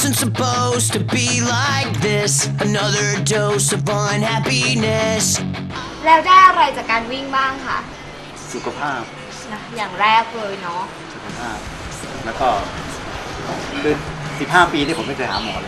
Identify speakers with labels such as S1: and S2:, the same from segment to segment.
S1: wasn't supposed to be like this. Another dose of unhappiness.
S2: แล้วได้อะไรจากการวิ่งบ้างคะ
S3: สุขภาพ
S2: นะอย่างแรกเลยเนาะ
S3: สุขภาพแล้วก็คือ15 ปีที่ผมไม่เคยหาหมอเลย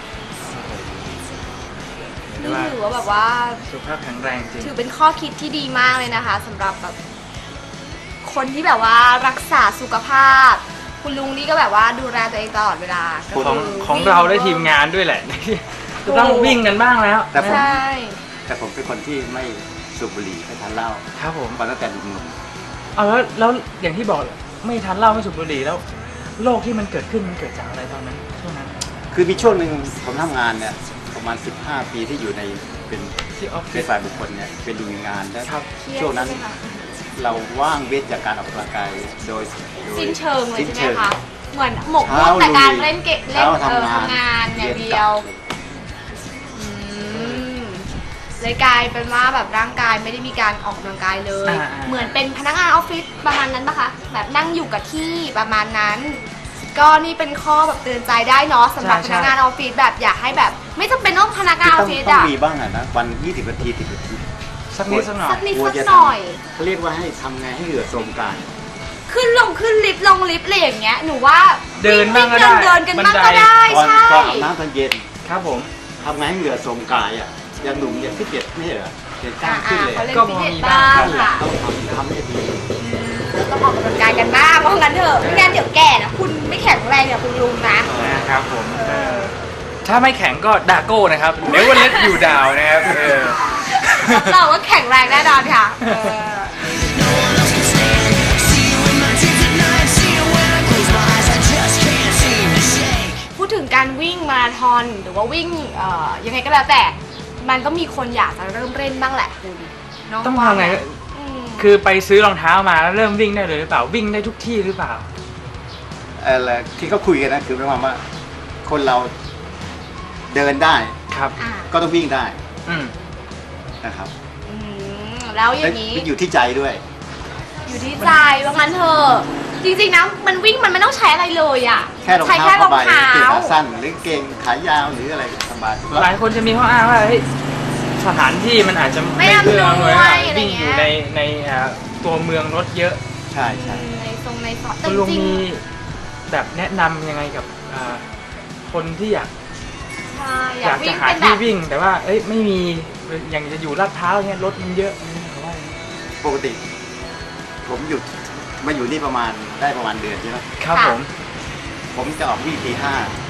S2: นี่ถือว่าแบบว่า
S4: สุขภาพแข็งแรงจริง
S2: ถือเป็นข้อคิดที่ดีมากเลยนะคะสำหรับแบบคนที่แบบว่ารักษาสุขภาพคุณลุงนี่ก็แบบว่าดูแลตัวเองตลอดเวลา
S4: ของเราได้ทีมงานด้วยแหละต้องวิ่งกันบ้างแล้ว
S3: แต่ผมเป็นคนที่ไม่สูบบุหรี่ไม่ทานเหล้า
S4: ครับผม
S3: มาตั้งแต่หนุ่ม
S4: ๆแล้วอย่างที่บอกไม่ทานเหล้าไม่สูบบุหรี่แล้วโรคที่มันเกิดขึ้นมันเกิดจากอะไรตอนนั้นช่วงนั้น
S3: คือมีช่วงหนึ่งผมทำงานเนี่ยประมาณ15 ปีที่อยู่ในเป็นฝ่ายบุคคลเนี่ยเป็นดูงานแล้วช่วงนั้นเราว่างเว้นจากการออกกำลังกายโดย
S2: สิ้นเชิงเลยใช่ไหมคะเหมือนหมกมุ่นแต่การเล่นเกมเล่นทำงานอย่างเดียวเลยกลายเป็นว่าแบบร่างกายไม่ได้มีการออกกำลังกายเลยเหมือนเป็นพนักงานออฟฟิศประมาณนั้นปะคะแบบนั่งอยู่กับที่ประมาณนั้นก็นี่เป็นข้อแบบเตือนใจได้เนาะสำหรับพนักงานออฟฟิศแบบอยากให้แบบไม่จำเป็นต้องพนักงานออฟฟิศ
S3: อะต้องมีบ้างนะวัน20 นาที10 นาที
S4: สักนิดสักหน่อย
S2: สักหน่อย
S3: เขาเรียกว่าให้ทำไงให้เหงื่อโทรมกาย
S2: ขึ้นลิฟต์ลงลิฟต์อะไรอย่างเงี้ยหนูว่า
S4: เดินบ้างก็ได้
S2: เดินกันบ้างก็ได้ใช่
S3: อาบน้ำตอนเย็น
S4: ครับผม
S3: ทำไงให้เหงื่อโทรมกายอ่ะยังหนุ่มยังฟิตเนสไม่เหรอเห็นกล้ามขึ้นเลย
S2: ก็พอมีบ้างค่ะ
S3: ต้องทำให้ดี
S2: ต้องออกกำลังกายกันบ้างเพราะงั้นเถอะไม่งั้นเดี๋ยวแก่นะคุณไม่แข็งแรงเนี่ยคุณลุง
S4: นะครับผมถ้าไม่แข็งก็ดาโก้นะครับเดี๋ยววันเล็กอยู่ดาวนะครับ
S2: เราว่าแข็งแรงแน่นอนค่ะพูดถึงการวิ่งมาราธอนหรือว่าวิ่งยังไงก็แล้วแต่มันก็มีคนอยากจะเริ่มเล่นบ้างแหละคุณ
S4: ต้องทำไงคือไปซื้อรองเท้ามาแล้วเริ่มวิ่งได้เลยหรือเปล่าวิ่งได้ทุกที่หรือเปล่า
S3: อะไรที่เขาคุยกันนะคือหมายความว่าคนเราเดินได้
S4: ครับ
S3: ก็ต้องวิ่งได้นะครับ
S2: แล้วอย่างนี้
S3: อยู่ที่ใจด้วย
S2: อยู่ที่ใจว่างั้นเถอะจริงๆนะมันวิ่งมันไม่ต้องใช้อะไรเลยอ่ะ
S3: ใช้แค่รองเท้าสั้นหรือเกงขายาวหรืออะไรสบาย
S4: หลายคนจะมีข้ออ้างว่าสถานที่มันอาจจะ
S2: ไม่อำนวย
S4: วิ่งอยู่ในตัวเมืองรถเยอะ
S3: ใช่
S2: ในซอย
S4: คุณลุงมีแบบแนะนำยังไงกับคนที่อยากจะหาที่วิ่งแต่ว่าไม่มีอย่างจะอยู่ลาดพร้าวเนี่ยรถมันเยอะ
S3: ปกติผมหยุดมาอยู่นี่ประมาณเดือนใช่ไหม
S4: ครับ
S3: ผมจะออกวิ่งตี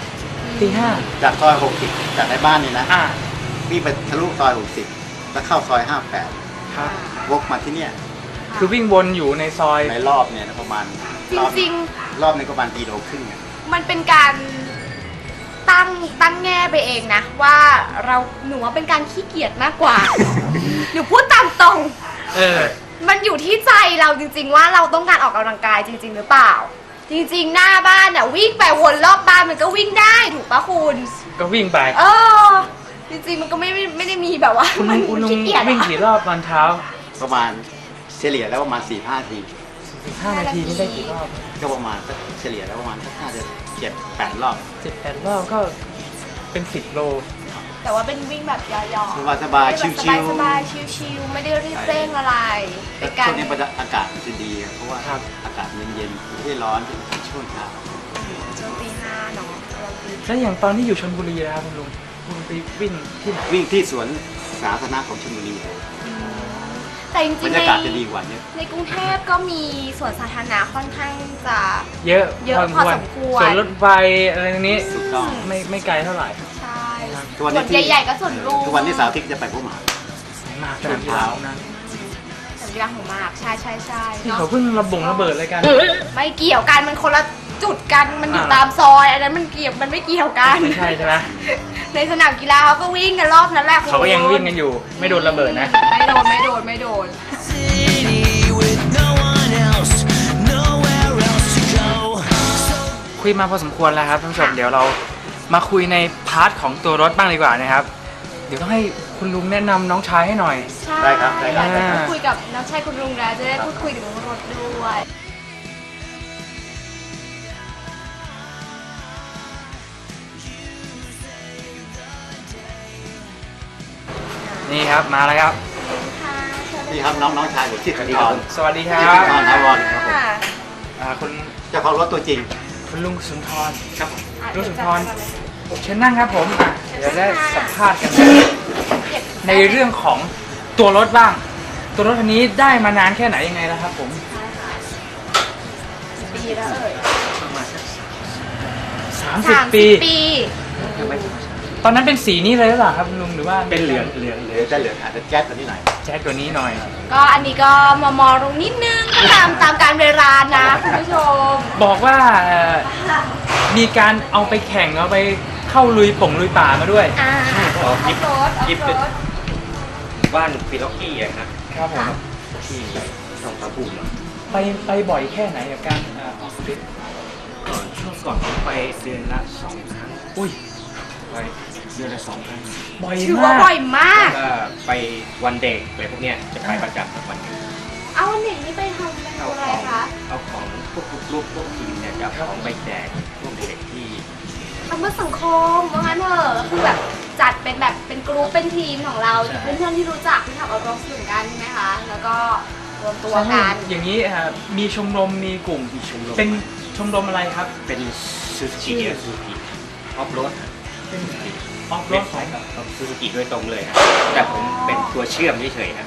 S4: 5
S3: จากซอย60จากในบ้านนี่นะวิ่งไปทะลุซอย60แล้วเข้าซอย58
S4: ครับ
S3: วกมาที่เนี่ย
S4: คือวิ่งวนอยู่ในซอย
S3: ในรอบเนี่ยประมาณ
S2: จริง
S3: รอบนึงประมาณ1.5 กิโล
S2: มันเป็นการตั้งแง่ไปเองนะว่าหนูว่าเป็นการขี้เกียจมากกว่าหนูพูดตามตรงมันอยู่ที่ใจเราจริงๆว่าเราต้องการออกกำลังกายจริงๆหรือเปล่าจริงๆหน้าบ้านน่ะวิ่งไปวนรอบบ้านมันก็วิ่งได้ถูกปะคุณ
S4: ก็วิ่งไป
S2: จริงๆมันก็ไม่ได้มีแบบว่ามันขี้เกียจ
S4: วิ่งกี่รอบตอนเช้า
S3: ประมาณเฉลี่ยแล้วประมาณ 4-5 นาที
S4: 15 นาทีนี่ได้กี่รอบ
S3: ก็ประมาณเฉลี่ยแล้วประมาณ7-8 รอบ
S4: 7-8 รอบก็เป็น10 โล
S2: แต่ว่าเป็นวิ่งแบบย่อ
S3: ๆสบายๆชิ
S2: วๆไม่ได้รีบเร่งอะไร
S3: เป็นการช่วงนี้อากาศจะดีเพราะว่าอากาศเย็นๆไม่ได้ร้อนช่วงเช้า
S2: ช่วงตี 5เนาะ
S4: แล้วอย่างตอนที่อยู่ชลบุรีนะครับคุณลุงไปวิ่งที่ไหน
S3: วิ่งที่สวนสาธารณะของชลบุรี
S2: แต่จริงๆ
S3: บรรยากาศจะดีกว่านี้
S2: ในกรุงเทพก็มีสวนสาธารณะค่อนข้างจะ
S4: เยอะ
S2: พอสมควร
S4: ส่วนรถไฟอะไรตรงนี้
S3: ถูกต้อง
S4: ไม่ไกลเท่าไหร่
S2: ใช่ส่วนใหญ่ๆก็ส่วนรวม
S3: ทุกวันนี้สาวทิพย์จะไปพวกหมา
S4: สนามกีฬา
S2: นะสนามกีฬาของมากใช่
S4: ที่เขาเพิ่งระเบิดอะไรกัน
S2: ไม่เกี่ยวกันมันคนละจุดกันมันอยู่ตามซอยอันนั้นมันไม่เกี่ยวกัน
S4: ไม่ใช่ไหม
S2: ในสนามกีฬาเขาก็วิ่งกันรอบนั้นแหละ
S4: เขาก็ยังวิ่งกันอยู่ไม่โดนระเบิดนะ
S2: ไม่โดน
S4: คุยมาพอสมควรแล้วครับท่านผู้ชมเดี๋ยวเรามาคุยในพาร์ทของตัวรถบ้างดีกว่านะครับเดี๋ยวต้องให้คุณลุงแนะนำน้องชายให้หน่อย
S3: ได้ครับ
S2: คุยกับน้องชายคุณลุงแล้วจะได้พูดคุยถึงรถด้วย
S4: นี่ครับมาแล้วครับ
S3: นี่ครับน้องชายผมชื่อธนทร
S4: สวัสดีครั
S3: ชื่อธ
S4: บ
S3: นทรถาวรครับผม
S4: คุณ
S3: เจ้าของรถตัวจริง
S4: คุณลุงสุนทร
S3: ครับ
S4: ลุงสุนทรเชิญนั่งครับผมเดี๋ยวได้สัมภาษณ์กันในเรื่องของตัวรถบ้าง ตัวรถคันนี้ได้มานานแค่ไหนยังไงแล้วครับผม
S2: ปีแล้วเอ่ย
S4: 30 ปี
S2: ปี
S4: ตอนนั้นเป็นสีนี้เลยหรือเปล่าครับลุงหรือว่า
S3: เป็นเหลืองได้เหลืองอาจจะแจ๊ดตัวนี้หน่อย
S4: แจ๊ดตัวนี้หน่อย
S2: ก็อันนี้ก็มอลงนิดนึงตามการเวลานะคุณผู้ชม
S4: บอกว่ามีการเอาไปแข่งเอาไปเข้าลุยป่ามาด้วย
S2: ออฟโรด
S5: บ้านฟิล็อกกี้อะครับ
S4: ครับผม
S5: ที่ทองผาภูมิอะ
S4: ไปบ่อยแค่ไหนกับการออกทริป
S5: ช่วงก่อนผมไปเดือนละ2 ครั้ง
S4: อุ้ย
S5: ไปเดือนละ2 ครั้ง
S4: บ่อย
S2: ถือว่าม
S4: าก
S2: บ่อยมาก
S5: ก็ไปวันเด็กอะไรพวกเนี้ยจะไปประจำทุกวันหยุด
S2: เอาวันเด็กนี่ไปทำเป็นอะไรคะ
S5: เอาของพวกลูกพวกทีมเนี่ยจะเอาของไปแจกพวกเด็กที่
S2: ทำเพื่อสังคมว่างั้นเถอะก็คือแบบจัดเป็นแบบเป็นกรุ๊ปเป็นทีมของเราเพื่อนๆที่รู้จักที่ทำเอารมณ์เหมือนกันใช่ไหมคะ แล้วก็รวมตัวกัน
S4: อย่างนี้มีชมรมมีกลุ่ม
S5: มีชมรม
S4: เป็นชมรมอะไรครับ
S5: เป็นซูซูกิซูซูกิออฟโรด
S4: เป็นออฟโร
S5: เว็บ
S4: ด
S5: ไซต์ของซูซูกิโดยตรงเลยครับแต่ผมเป็นตัวเชื่อมเฉยๆครับ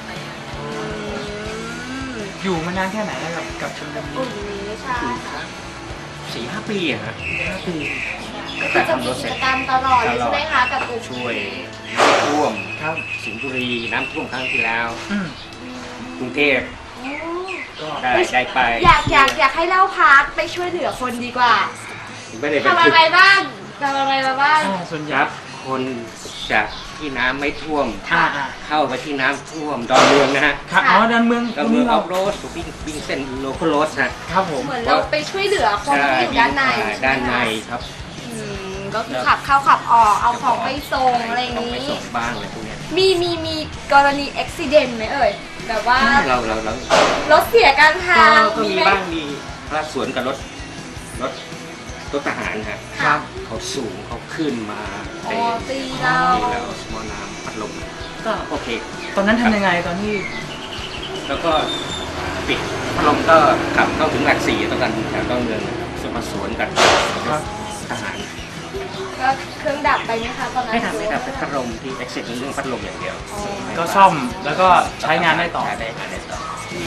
S4: อยู่มานานแค่ไหนแล้วกับชมรม
S2: กลุ่
S4: นี้
S2: มนี้ใช่ค่ะ
S5: 4-5 ปีอะฮะ
S4: 5 ปี
S2: ก็จะมีกิจกรรมตลอดเลยใช่ไหมคะกับกลุ่ม
S5: ช่วยน้ำท่วม
S4: ครับ
S5: สิงห์บุรีน้ำท่วมครั้งที่แล้ว
S4: อืม
S5: กรุงเทพ
S4: ก็
S5: ได้ไป
S2: อยากให้เล่าพาร์ทไปช่วยเหลือคนดีกว่า
S5: ไม่ได้เป็น
S2: ทำอะไรบ้างทำอะไรมาบ้าง
S4: ส่วนใหญ่
S5: รับคนจากที่น้ำไม่ท่วม
S4: อ่า
S5: เข้าไปที่น้ำท่วมดอนเมืองนะฮะ
S4: ครับอ๋อดอนเมือง
S5: ดอนเมืองออฟโรดวิ่งเส้นโลคอลโรดนะครับ
S4: ผม
S2: เหมือนเราไปช่วยเหลือคนที่อยู่ด้านใน
S5: ด้านใน
S2: ใช่ไหมคะ
S5: ครับ
S2: ก็คือขับเข้าขับออกเอาของไปส่งอะไรอย่าง
S5: นี้
S2: นี้
S5: ไปส่งบ้างอะไรพวกเนี้ย
S2: มีกรณีอุบิเหตุไหมเอ่ยแบบว่า
S5: เรา
S2: รถเสียกลารทาง
S5: ก็มี
S2: ไห
S5: บ้างมีพระสวนกับรถทหารฮะ
S2: ครับ
S5: เขาสูงเขาขึ้นมา
S2: อ๋อตีเรา
S5: ตีเราสมอน้ำพัดลมก็โอเค
S4: ตอนนั้นทำยังไงตอนที่
S5: แล้วก็ปิดพัดลมก็ขับเข้าถึงหลักสี่ตอนกันแถวต้นเมืองสมาสวนกัน
S4: ครับ
S5: ทหาร
S2: ก็เครื่องดับไปไหมคะตอนนั้น
S5: ไม่ทำเป็นพัดลมที่ exit เรื่องพัดลมอย่างเดียว
S2: อ๋อ
S4: ก็ซ่อมแล้วก็ใช้งานได้ต่อ
S5: ใช้ได้งานได้ต่อ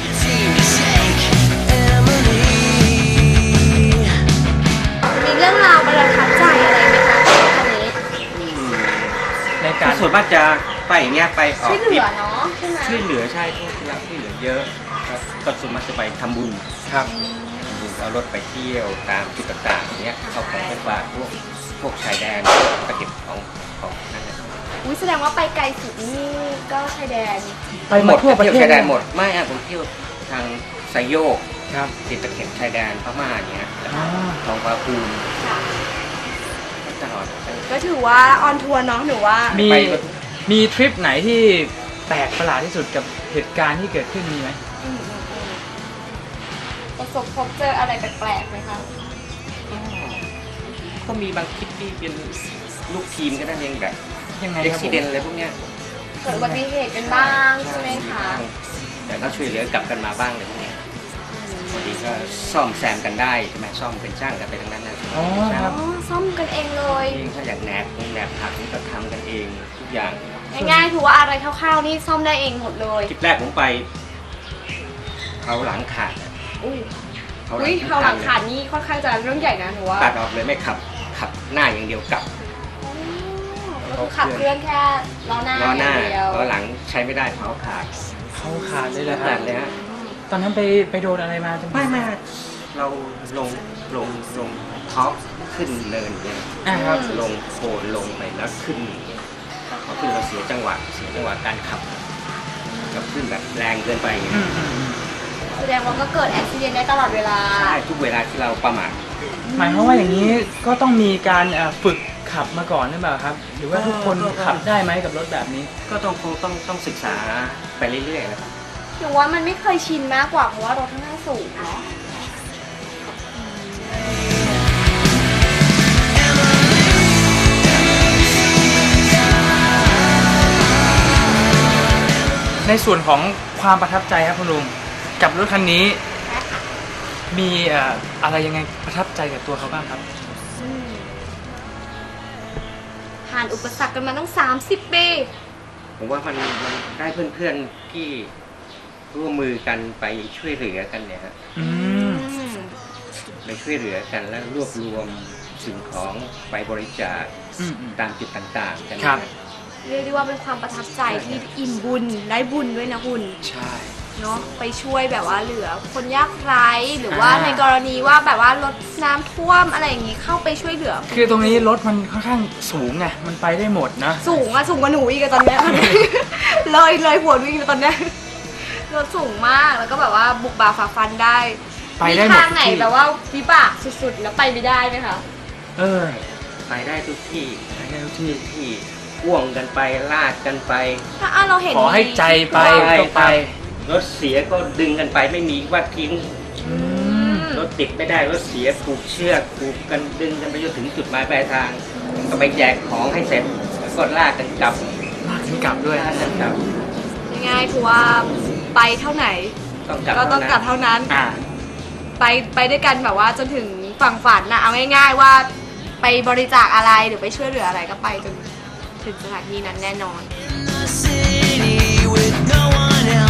S2: มีเรื่องราวประทับใจอะไรไหมคะคันนี้
S4: ในการ
S5: ส่วนมากจะไปอย่างเงี้ยไปออ
S2: ช่
S5: ก
S2: วยเหลือเนาะใช่ไหม
S5: ช่วยเหลือใช่พวกที่รักช่วยเหลือเยอะครับก็ส่วนมากจะไปทำบุญ
S4: ครับ
S5: เอารถไปเที่ยวตามจุดต่างๆอย่างเงี้ยเอาของไปฝากพวกชายแดนไปเก็บของนั่นแหละ
S2: อุ้ยแสดงว่าไปไกลสุดนี่ก็ชายแดน
S4: ไปหมดทั่วประเทศ
S5: เที่ยวชายแดนหมดไม่อะผมเที่ยวทางไซโยก
S4: ครับ
S5: ติดตะเข็บชายแดนพม่าอย่างเงี้ย
S4: อ่า
S5: ทองผาภูมิ
S2: ค่ะ
S5: ตลอด
S2: ก็ถือว่าออนทัวร์เนาะหนูว่า
S4: มี
S5: ไป
S4: มีทริปไหนที่แปลกประหลาดที่สุดกับเหตุการณ์ที่เกิดขึ้นมีไหม
S2: ประสบพบเจออะไรแปลกๆไหมคะ
S5: ก็มีบางคลิปที่เป็นลูกทีมก็นั่นเองแบบ
S4: ยังไง
S5: เอ็ก
S4: ครับผ
S5: ซิ
S4: ม
S5: เดนอะไรพวกเนี้ย
S2: เกิดอุบัติเหตุกันบ้างใช่ไหมคะ
S5: แต่ก็ช่วยเหลือกลับกันมาบ้างเลยพวกเนี้ยบางทีก็ซ่อมแซมกันได้ใช่ไหมซ่อมเป็นช่างกันไปทั้งนั้นนะ
S4: อ๋อครับ
S2: อ๋อซ่อมกันเองเลย
S5: เองถ้าอยากแหนบหักนี่ก็ทำกันเองทุกอย่าง
S2: ง่ายๆถือว่าอะไรคร่าวๆนี่ซ่อมได้เองหมดเลย
S5: คลิปแรกผมไปเขาหลังขาดอะ
S2: อุ้ย
S5: เขา
S2: อุ้ยเขาหลัง
S5: เลย
S2: ขาดนี่ค่อนข้างจะเรื่องใหญ่นะหนูว่า
S5: ตัดออกเลยไม่ขับหน้าอย่างเดียวกลับ
S2: ก็คือขับเคลื่อนแค่ล้อหน้า
S5: ล้อหน้า
S2: อย่างเดียว
S5: ล้อหลังใช้ไม่ได้เพราขาด
S4: เขาขาดเลยเหรอค
S5: ขา
S4: รั
S5: ด
S4: บ
S5: เลยฮะ
S4: ตอนนั้นไปโดนอะไรมาจน
S5: ไม่เราลงท็อปขึ้นเนินเนี่ย
S4: ครับ
S5: ลงโคนลงไปแล้วขึ้นอย่างเงี้ยพอขึ้นเราเสียจังหวะการขับกับขึ้นแบบแรงเกินไปอย่างเงี้ย
S2: แสดงว่าก็เกิดอุบิเหตุได้ตลอดเวลา
S5: ใช่ทุกเวลาที่เราประมาท
S4: หมายความว่าอย่างนี้ก็ต้องมีการฝึกขับมาก่อนหรือเปล่าครับ หรือว่าทุกคนขับได้ไหมกับรถแบบนี้
S5: ก็ต้องศึกษาไปเรื่อยๆนะครับ
S2: หนูว่ามันไม่เคยชินมากกว่าเพราะว่ารถค่อนข้างสูงเนาะ
S4: ส่วนของความประทับใจครับคุณลุงกับรถคันนี้มีอะไรยังไงประทับใจกับตัวเขาบ้างครับ
S2: ผ่านอุปสรรคกันมาตั้ง30 ปี
S5: ผมว่ามันได้เพื่อนๆที่ร่วมมือกันไปช่วยเหลือกันเนี่ยฮะ
S4: อืม
S5: ไปช่วยเหลือกันแล้วรวบรวมสิ่งของไปบริจาค
S4: อืม
S5: ตามจุดต่างๆกัน
S4: ครับ
S5: นะ
S2: เรียกได้ว่าเป็นความประทับใจที่อิ่มบุญได้บุญด้วยนะคุณ
S4: ใช่
S2: เนาะไปช่วยแบบว่าเหลือคนยากไร้หรือว่าในกรณีว่าแบบว่ารถน้ำท่วมอะไรอย่างงี้เข้าไปช่วยเหลือ
S4: คือตรงนี้รถมันค่อนข้างสูงไงมันไปได้หมดนะ
S2: สูงกว่าหนูอีกอะตอนเนี้ย เลยหัวหนูอีกตอนเนี้ยรถสูงมากแล้วก็แบบว่าบุกบ่าฝ่าฟันได้
S4: ไปได้หมด
S2: ทางไหน
S4: ทุกที่
S2: แบบว่าวิบากสุดๆแล้วไปไม่ได้ไหมคะ
S4: เออ
S5: ไปได้ทุกที่
S4: ไปได้ทุกที่
S5: ที่พ่วงกันไปลากกันไป
S2: ถ้าเราเห็น
S4: ขอให้ใจไป
S5: ใช่
S4: ก็ไป
S5: รถเสียก็ดึงกันไปไม่มีว่าทิ้ง
S4: อืม
S5: รถติดไม่ได้รถเสียผูกเชือกผูกกันดึงกันไปจนถึงจุดหมายปลายทาง ก็ไปแจกของให้เสร็จแล้วก็ลากกันกลับ
S4: ลากถึงกลับด้วย
S5: ลากกันกลับ
S2: ง่ายๆคือว่าไปเท่าไหน
S5: ต้องกลับ
S2: ก็ต้องกลับ
S5: เท่านั้น
S2: เท่านั้น
S4: อ่า
S2: ไปด้วยกันแบบว่าจนถึงฝั่งฝันนะเอาง่ายๆว่าไปบริจาคอะไรหรือไปช่วยเหลืออะไรก็ไปจนถึงสถานที่นั้นแน่นอน
S1: In the city with no one else.